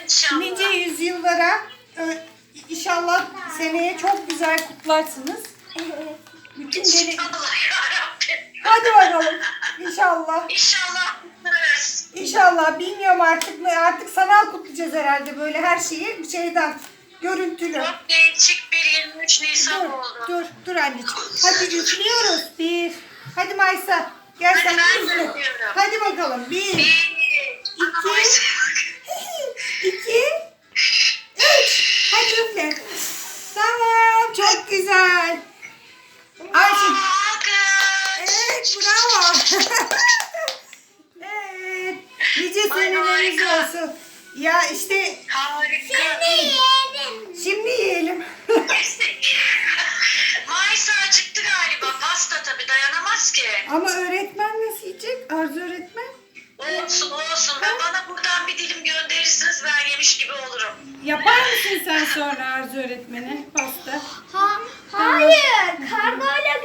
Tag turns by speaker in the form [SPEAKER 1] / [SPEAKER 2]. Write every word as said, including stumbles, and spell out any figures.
[SPEAKER 1] İnşallah.
[SPEAKER 2] nice yüzyıllara e, inşallah seneye çok güzel kutlarsınız. Bütün deli...
[SPEAKER 1] İnşallah yarabbim.
[SPEAKER 2] Hadi bakalım. İnşallah.
[SPEAKER 1] İnşallah kutlarız.
[SPEAKER 2] İnşallah. Bilmiyorum artık ne artık sanal kutlayacağız herhalde böyle her şeyi bir şeyden görüntülü.
[SPEAKER 1] Çok değişik bir yirmi üç Nisan
[SPEAKER 2] Dur,
[SPEAKER 1] oldu.
[SPEAKER 2] dur, dur anneciğim. Hadi üflüyoruz. Bir. Hadi Maysa. Gel
[SPEAKER 1] Hadi
[SPEAKER 2] sen
[SPEAKER 1] ben
[SPEAKER 2] üfle.
[SPEAKER 1] de üflüyorum.
[SPEAKER 2] Hadi bakalım. Bir,
[SPEAKER 1] Bir,
[SPEAKER 2] İki. iki, üç. Hadi üfle. Tamam. Çok güzel. Ayşe. Evet, bravo. Evet. Nice seneleriniz
[SPEAKER 1] harika.
[SPEAKER 2] olsun. Ya işte
[SPEAKER 1] Harika.
[SPEAKER 2] şimdi yiyelim.
[SPEAKER 1] Maysa acıktı galiba. Pasta tabii dayanamaz ki.
[SPEAKER 2] Ama öğretmen nasıl yiyecek? Arzu öğretmen.
[SPEAKER 1] Olsun olsun. Ben bana buradan bir dilim gönderirsiniz ben yemiş gibi olurum.
[SPEAKER 2] Yapar mısın sen sonra Arzu öğretmene pasta?
[SPEAKER 3] Ha, hayır, kargoyla